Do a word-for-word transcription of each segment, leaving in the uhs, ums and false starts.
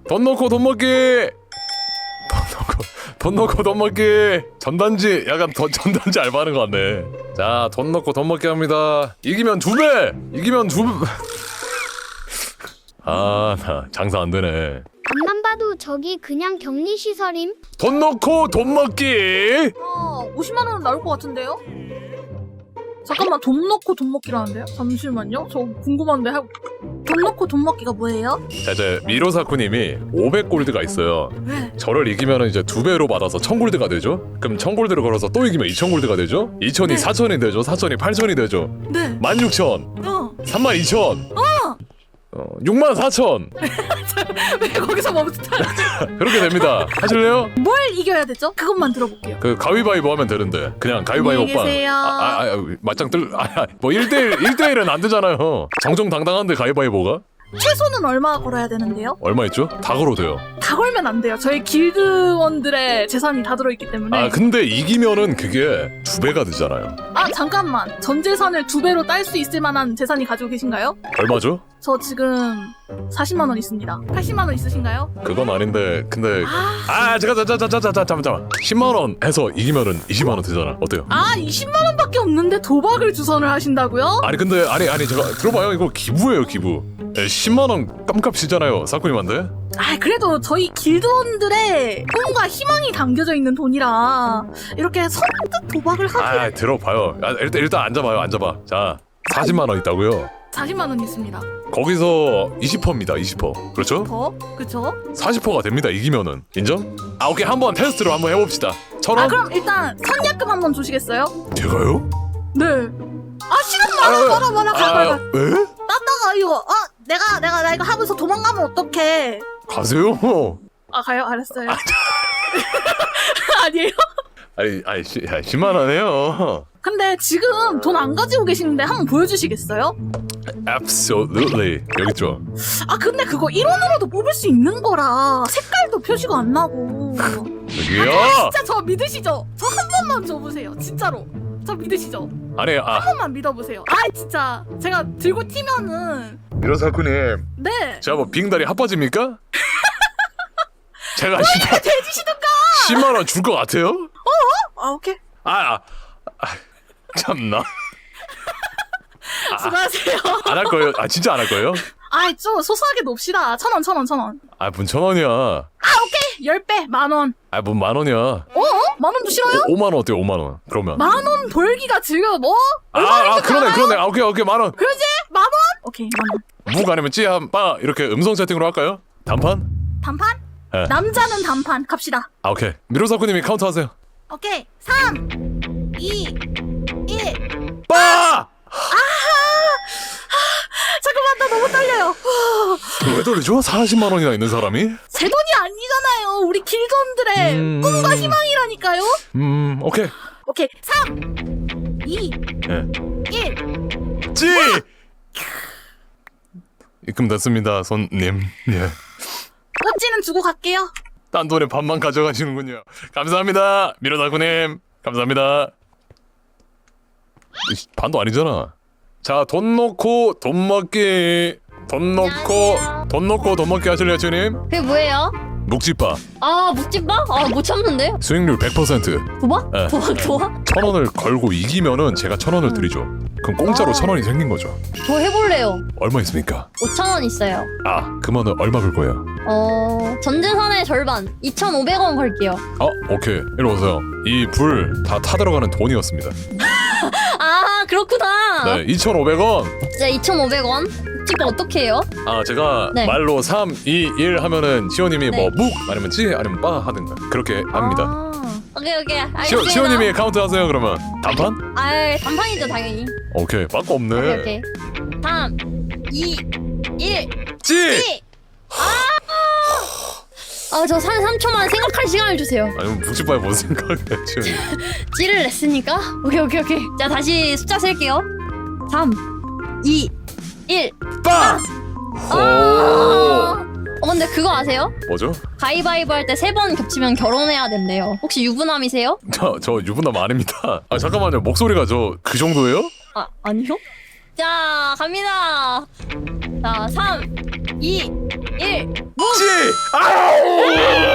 돈 넣고 돈 먹기. 돈 넣고 돈 넣고 돈 먹기. 전단지 약간 더, 전단지 알바하는 것 같네. 자, 돈 넣고 돈 먹기 합니다. 이기면 두 배. 이기면 두 배. 아, 나 장사 안 되네. 앞만 봐도 저기 그냥 격리시설임. 돈 넣고 돈 먹기. 어, 오십만 원은 나올 것 같은데요? 잠깐만, 돈 넣고 돈 먹기라는데요? 잠시만요. 저 궁금한데. 하... 돈 넣고 돈 먹기가 뭐예요? 자, 이제 미로사쿠님이 오백 골드가 있어요. 네. 저를 이기면 이제 두 배로 받아서 천 골드가 되죠. 그럼 천 골드를 걸어서 또 이기면 이천 골드가 되죠. 이천이 네. 사천이 되죠. 사천이 팔천이 되죠. 네. 만 육천, 어. 삼만 이천, 어. 어, 육만 사천. 왜 거기서 멈칫하지? 그렇게 됩니다. 하실래요? 뭘 이겨야 되죠? 그것만 들어볼게요. 그 가위바위보 하면 되는데 그냥 가위바위보 안녕히 빵. 계세요. 아, 아, 아, 맞짱 뜰. 아, 아, 뭐 일 대일 일 대일은 안 되잖아요. 정정당당한데 가위바위보가 최소는 얼마 걸어야 되는데요? 얼마 있죠? 다 걸어도 돼요. 다 걸면 안 돼요. 저희 길드원들의 재산이 다 들어있기 때문에. 아, 근데 이기면은 그게 두 배가 되잖아요. 아, 잠깐만. 전 재산을 두 배로 딸 수 있을 만한 재산이 가지고 계신가요? 얼마죠? 저 지금 사십만 원 있습니다. 팔십만 원 있으신가요? 그건 아닌데 근데 아, 아 잠깐 잠깐 잠깐 잠깐 잠깐 잠깐 십만 원 해서 이기면은 이십만 원 되잖아. 어때요? 아 이십만 원밖에 없는데 도박을 주선을 하신다고요? 아니 근데 아니 아니 제가 들어봐요. 이거 기부예요 기부. 예, 십만 원 깜값이잖아요 사쿠님한테. 아 그래도 저희 길드원들의 꿈과 희망이 담겨져 있는 돈이라 이렇게 선뜻 도박을 하기. 아 들어봐요. 아, 일단 일단 앉아봐요 앉아봐. 자 사십만 원 있다고요. 사십만 원 있습니다. 거기서 이십 퍼센트입니다. 이십 퍼센트. 그렇죠? 더? 그쵸? 사십 퍼센트가 됩니다. 이기면은 인정? 아 오케이 한번 테스트로 한번 해봅시다. 천 원? 아 그럼 일단 선약금 한번 주시겠어요? 제가요? 네. 아 시간 많아 많아 많아 가 가 가. 왜? 따다가 이거 아 내가 내가 나 이거 하면서 도망가면 어떡해. 가세요. 아 가요? 알았어요. 아니에요? 아니 아니 시, 야, 십만 원이에요. 근데 지금 돈 안 가지고 계시는데 한번 보여주시겠어요? Absolutely. 여기 있죠. 아 근데 그거 일 원으로도 뽑을 수 있는 거라 색깔도 표시가 안 나고. 여기요. 진짜 저 믿으시죠? 저 한 번만 줘보세요. 진짜로. 저 믿으시죠? 아니 아 한 번만 믿어보세요. 아 진짜 제가 들고 튀면은 미로사쿠님 네. 제가 뭐 빙다리 핫바지입니까? 제가 십만 돼지시든가. 십만 원 줄 것 같아요? 아 오케이. 아, 아, 아 참나 수고하세요. 안 할 거예요? 아 진짜 안 할 거예요? 아이 좀 소소하게 놉시다. 천 원, 천 원, 천 원. 아 문 천 원이야. 아 오케이. 열 배, 만 원. 아 문 만 원이야. 어? 만 원도 싫어요? 오, 오만 원 어때요? 오만 원. 그러면. 만 원 벌기가 지금 뭐? 아, 아 그러네 그러네. 아, 오케이 오케이 만 원. 그러지? 만 원? 오케이 만 원. 묵 아니면 찌한빠 이렇게 음성 채팅으로 할까요? 단판? 단판? 네. 남자는 단판 갑시다. 아 오케이. 미로사쿠님이 카운트 하세요. 오케이. 삼, 이, 일. 빠! 잠깐만 나 너무 떨려요. 왜 돌리죠? 사십만 원이나 있는 사람이? 제 돈이 아니잖아요. 우리 길드원들의 음... 꿈과 희망이라니까요. 음 오케이. 오케이. 삼, 이, 예. 일. 찌! 입금됐습니다 손님. 예. 꽃지는 주고 갈게요. 딴 돈의 반만 가져가시는군요. 감사합니다 미로사쿠님. 감사합니다. 이씨, 반도 아니잖아. 자 돈 넣고 돈 먹기. 돈 넣고 안녕하세요. 돈 넣고 돈 먹기 하실래요 주님? 그게 뭐예요? 묵집바 아 묵집밥? 아 못 참는데? 수익률 백 퍼센트. 도박? 네. 도박 도박? 천 원을 걸고 이기면은 제가 천 원을 드리죠. 그럼 공짜로 아. 천 원이 생긴 거죠. 저 해볼래요. 얼마 있습니까? 오천 원 있어요. 아 그러면은 얼마 걸 거예요? 어 전재산의 절반 이천오백 원 걸게요. 아 오케이 이리 오세요. 이 불 다 타들어가는 돈이었습니다. 아 그렇구나. 네 이천오백 원. 진짜 이천오백 원? 묵집밥 어떻게 해요? 아 제가 네. 말로 삼, 이, 일 하면은 시호님이 네. 뭐 묵 아니면 찌 아니면 빠 하든가 그렇게 합니다. 아, 오케이 오케이 시호, 알겠습니다. 시호님이 카운트 하세요 그러면. 단판? 아 단판이죠 당연히. 오케이 빠꾸 없네. 오케이 오케이. 삼, 이, 일. 찌! 찌! 아 저 한 삼 초만 생각할 시간을 주세요. 아니 묵집바에 뭔 생각해 시호님. 찌를 냈으니까 오케이 오케이 오케이. 자 다시 숫자 셀게요. 삼, 이, 일. 빠! 아! 오! 어 근데 그거 아세요? 뭐죠? 가위바위보 할 때 세 번 겹치면 결혼해야 된대요. 혹시 유부남이세요? 저, 저 유부남 아닙니다. 아 잠깐만요 목소리가 저 그 정도예요? 아 아니요? 자 갑니다. 자 삼, 이, 일. 묵! 찌! 아우!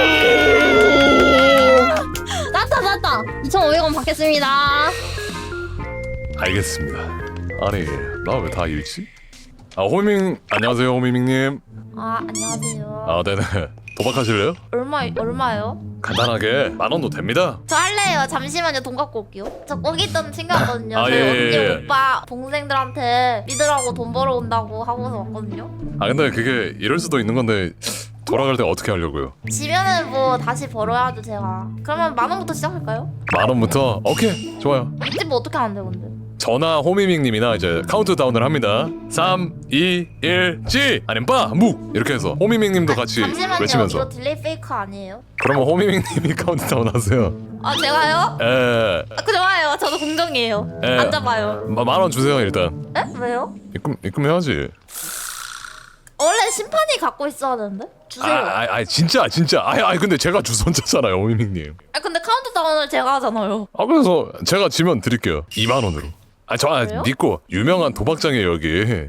났다 났다. 이천오백 원 받겠습니다. 알겠습니다. 아니 나 왜 다 잃지? 아 호밍 안녕하세요 호밍님. 아 안녕하세요. 아 네네 도박하실래요? 얼마 얼마요? 간단하게 만 원도 됩니다. 저 할래요. 잠시만요. 돈 갖고 올게요. 저 거기 있던 챙겨왔거든요. 아, 저희 예, 언니 예, 예. 오빠 동생들한테 믿으라고 돈 벌어온다고 하고서 왔거든요. 아 근데 그게 이럴 수도 있는 건데 돌아갈 때 어떻게 하려고요? 지면은 뭐 다시 벌어야죠 제가. 그러면 만 원부터 시작할까요? 만 원부터 오케이 좋아요. 이때 뭐 어떻게 하는데 근데? 저나 호미밍님이나 이제 카운트다운을 합니다. 삼, 이, 일, 찌! 아니면 빠! 묵! 이렇게 해서 호미밍님도 같이 잠시만요. 외치면서 이거 딜레이 페이크 아니에요? 그러면 호미밍님이 카운트다운 하세요. 아 제가요? 에, 아, 그 좋아요. 저도 공정이에요. 에. 앉아봐요. 만 원 주세요 일단. 에? 왜요? 입금, 입금해야지. 원래 심판이 갖고 있어야 되는데? 주세요. 아, 아, 아 진짜 진짜 아, 아 근데 제가 주선자잖아요 호미밍님. 아 근데 카운트다운을 제가 하잖아요. 아 그래서 제가 지면 드릴게요. 이만 원으로. 아 저 아, 그래요? 믿고 유명한 도박장이에요 여기.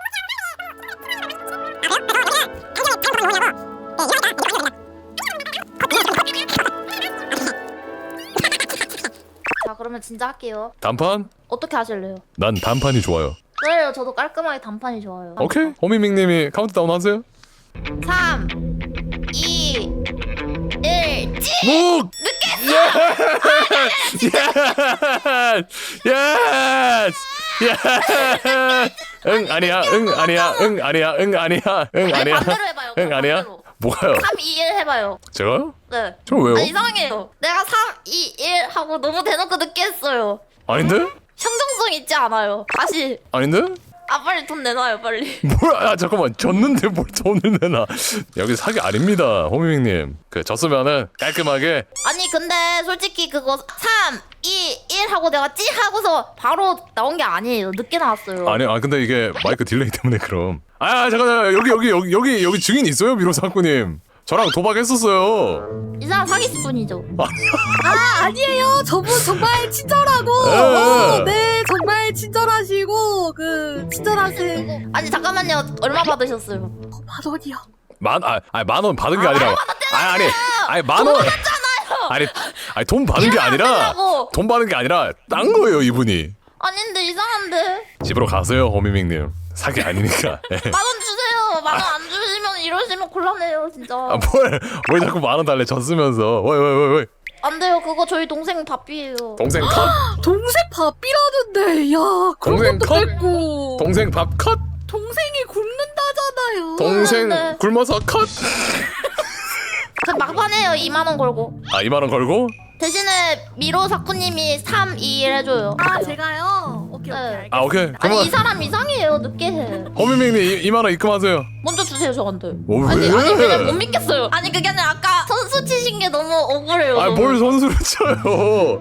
자 그러면 진짜 할게요. 단판? 어떻게 하실래요? 난 단판이 좋아요. 그래요. 저도 깔끔하게 단판이 좋아요. 오케이 호미밍님이 카운트다운 하세요. 삼, 이, 일, 찌! 묵! 예스! 예스! 응 아니야 응 아니야 응 아니야 응 아니야 응 아니 아니야 반대로 해봐요. 응 아니야 반대로. 뭐가요? 삼, 이, 일 해봐요. 제가요? 네. 저 왜요? 아 이상해요. 내가 삼, 이, 일 하고 너무 대놓고 늦게 했어요. 아닌데? 형정성 있지 않아요. 다시. 아닌데? 아 빨리 돈 내놔요 빨리. 뭐야? 아 잠깐만 졌는데 뭘 돈을 내나? 여기 사기 아닙니다, 호미밍님. 그 졌으면은 깔끔하게. 아니 근데 솔직히 그거 삼, 이, 일 하고 내가 찌 하고서 바로 나온 게 아니에요. 늦게 나왔어요. 아니 아 근데 이게 마이크 딜레이 때문에 그럼. 아 잠깐 여기 여기 여기 여기 여기 증인 있어요, 미로사쿠님. 저랑 도박했었어요. 이 사람 사기꾼이죠. 아 아니에요. 저분 정말 친절하고 에. 어, 네 정말 친절하시고 그 친절하세요. 아니 잠깐만요. 얼마 받으셨어요? 만 원이요. 만, 아, 아니 만 원 받은 게 아니라, 아니 아니, 아니 만 원, 아니, 아니 돈 받은 게 아니라, 받으려고. 돈 받은 게 아니라 딴 거예요 이분이. 아닌데 이상한데. 집으로 가세요, 호미밍님. 사기 아니니까. 예. 만 원 주세요. 만 원 안 주시면 이러시면 곤란해요 진짜. 아 뭘, 뭘 자꾸 만 원 달래 졌으면서, 왜 왜 왜 왜? 안 돼요. 그거 저희 동생 밥비예요. 동생 컷, 동생 밥비라는데 야 그런 동생 것도 컷? 뺐고 동생 밥 컷, 동생이 굶는다잖아요. 동생 네. 굶어서 컷. 그 막판에요. 이만 원 걸고. 아 이만 원 걸고? 대신에 미로 사쿠님이 삼, 이, 일 해줘요. 아 제가요. 오케이 오케이. 네. 알겠습니다. 아 오케이. 아니 그러면 이 사람 이상해요. 늦게 해. 호미밍님 이만 원 입금하세요. 먼저 주세요 저한테. 뭐, 아니 왜? 아니 그냥 못 믿겠어요. 아니 그게 아니라 아까 선수 치신 게 너무 억울해요. 아 너무. 뭘 선수를 쳐요?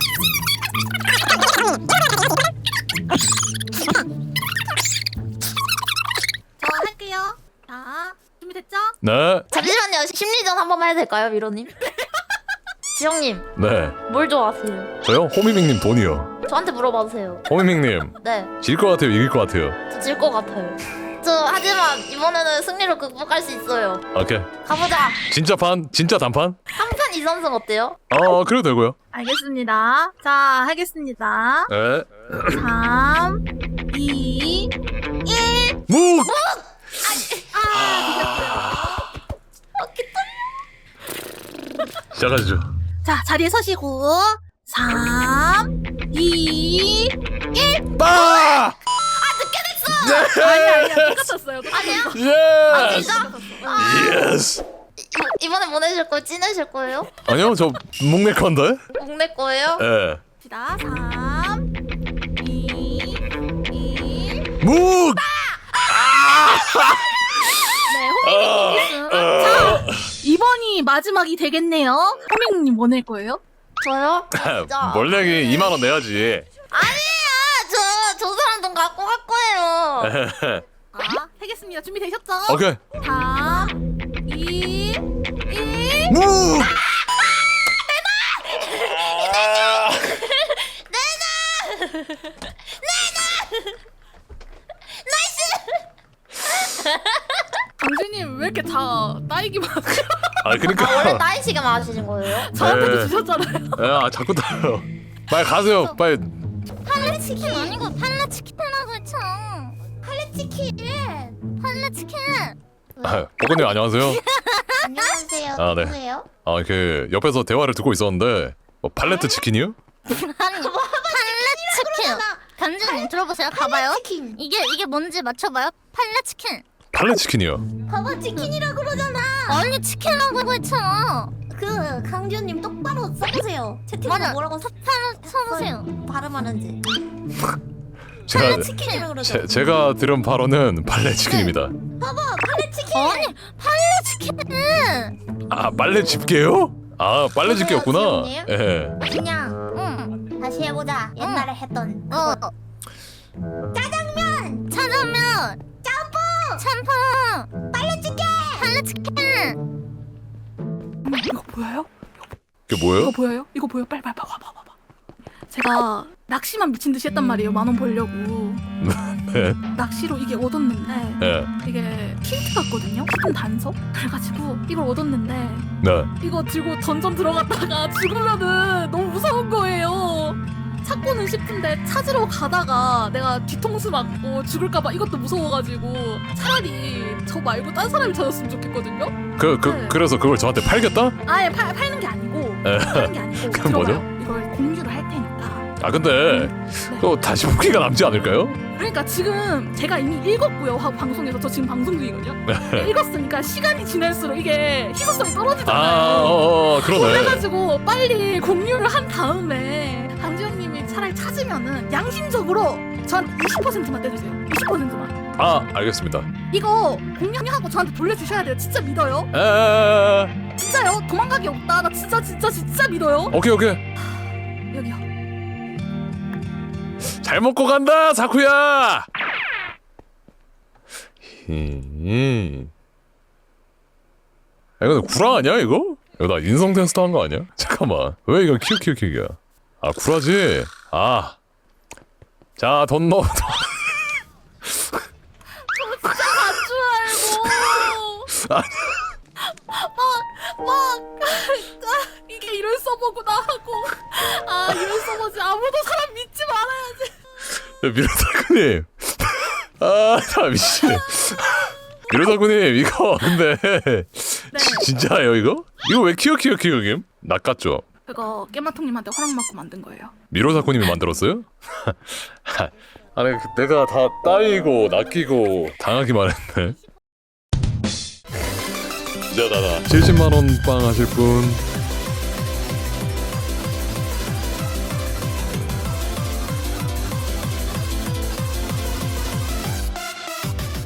저 할게요. 자 준비됐죠? 네, 잠시만요. 심리전 한 번만 해도 될까요, 미로님? 지영님 네. 뭘 좋아하세요? 저요? 호미밍님 돈이요. 저한테 물어봐주세요. 호미밍님 네, 질 것 같아요, 이길 것 같아요? 저 질 것 같아요. 저 하지만 이번에는 승리로 극복할 수 있어요. 오케이. 가보자. 진짜 판? 진짜 단판? 한판 이선승 어때요? 어 그래도 되고요. 알겠습니다. 자 하겠습니다. 네. 삼, 이, 일. 묵! 시작하시죠. 자 자리에 서시고 삼, 이, 일. 빠! 아니 아니야 똑같았어요. 아니야? 아 예스! 진짜? 아, 예스! 이, 이번에 보내실 거예요? 찌내실 거예요? 아니요, 저 묵낼 건데? 목내 거예요? 예. 자 삼, 이, 일. 묵! 네 호밍님 우승. 자 이번이 마지막이 되겠네요. 호밍님 뭐 낼 거예요? 저요? 진짜. 뭘 내기 이만 원 내야지. 아니야! 저, 저 사람 돈 갖고 갈 거예요. 아 하겠습니다. 준비되셨죠? 오케이. 삼, 이, 일. 묵! 강준님 형님 왜 이렇게 다 따이기만 하세요? 아 그러니까 아 원래 따이시게 마시는 거예요? 저한테도 네. 주셨잖아요. 야 자꾸 따요. 빨리 가세요. 빨리. 팔레치킨 아니고 팔레치킨이라고 했죠. 팔레치킨. 팔레치킨. 아, 보건님 안녕하세요. 안녕하세요. 아, 네. 누구세요? 아 이렇게 옆에서 대화를 듣고 있었는데 뭐 팔레트 치킨이요? 아니 팔레치킨. 간주님 들어보세요. 가봐요. 치킨. 이게 이게 뭔지 맞춰봐요. 팔레치킨. 팔레 치킨이요. 봐봐 치킨이라 그러잖아. 아니 치킨이라고 했잖아. 그 강지현님 똑바로 써보세요. 채팅으로 맞아. 뭐라고 써, 써보세요. 발음하는지. 제가 치킨이라 그러죠. 제, 제가 들은 바로는 팔레 치킨입니다. 봐봐 팔레치킨. 아니 팔레치킨. 아 빨래 집게요? 아 빨래 집게였구나. 지훈님? 예. 그냥 응. 다시 해보자. 옛날에 했던 어. 그거. 짜장면. 짜장면. 짬뽕. 짬뽕. 팔레치킨. 팔레치킨. 이거 보여요? 그게 뭐예요? 이거 보여요? 이거 보여? 빨리 빨리 봐봐 봐봐 봐. 제가 낚시만 미친 듯이 했단 말이에요. 만 원 벌려고. 네. 낚시로 이게 얻었는데 예. 이게 힌트 같거든요. 힌트 단서. 그래가지고 이걸 얻었는데 네. 이거 들고 던전 들어갔다가 죽으면은 너무 무서운 거예요. 찾고는 싶은데 찾으러 가다가 내가 뒤통수 맞고 죽을까봐 이것도 무서워가지고 차라리 저 말고 딴 사람이 찾았으면 좋겠거든요. 그, 그, 네. 그래서 그걸 저한테 팔겠다? 아예 팔, 팔는 게 아니고 에. 팔는 게 아니고 그건 들어봐요. 뭐죠? 이걸 공유를 할 테니까. 아 근데 그거 다시 보기가 남지 않을까요? 그러니까 지금 제가 이미 읽었고요. 화- 방송에서 저 지금 방송 중이거든요. 읽었으니까 시간이 지날수록 이게 희소성이 떨어지잖아요. 아, 어, 어, 그러네. 그래가지고 빨리 공유를 한 다음에 강지현님이 차라리 찾으면은 양심적으로 저한테 이십 퍼센트만 떼주세요. 이십 퍼센트만. 아, 알겠습니다. 이거 공유하고 저한테 돌려주셔야 돼요. 진짜 믿어요. 에, 에, 에. 진짜요. 도망가기 없다. 나 진짜 진짜 진짜 믿어요. 오케이, 오케이. 여기요. 잘 먹고 간다, 사쿠야. 음. 아, 이거 구라 아니야 이거? 이거 나 인성 테스트 한 거 아니야? 잠깐만. 왜 이거 키우키우키우야? 아 구라지. 아. 자, 돈 넣어. 줄 알고. 아니. 막, 막, 아, 이게 이런 서버구나 하고. 아, 이런 서버지. 아무도 사람 믿지 말아야지. 미로사쿠님. 아, 나 미친. 미로사쿠님 이거 근데 지, 진짜예요 이거? 이거 왜 키우키우키우김? 낚았죠? 그거 깨마통님한테 허락 받고 만든 거예요. 미로사쿠님이 만들었어요? 아니 내가 다 따이고 낚이고 당하기만 했네. 진짜 나다. 칠십만 원 빵 하실 분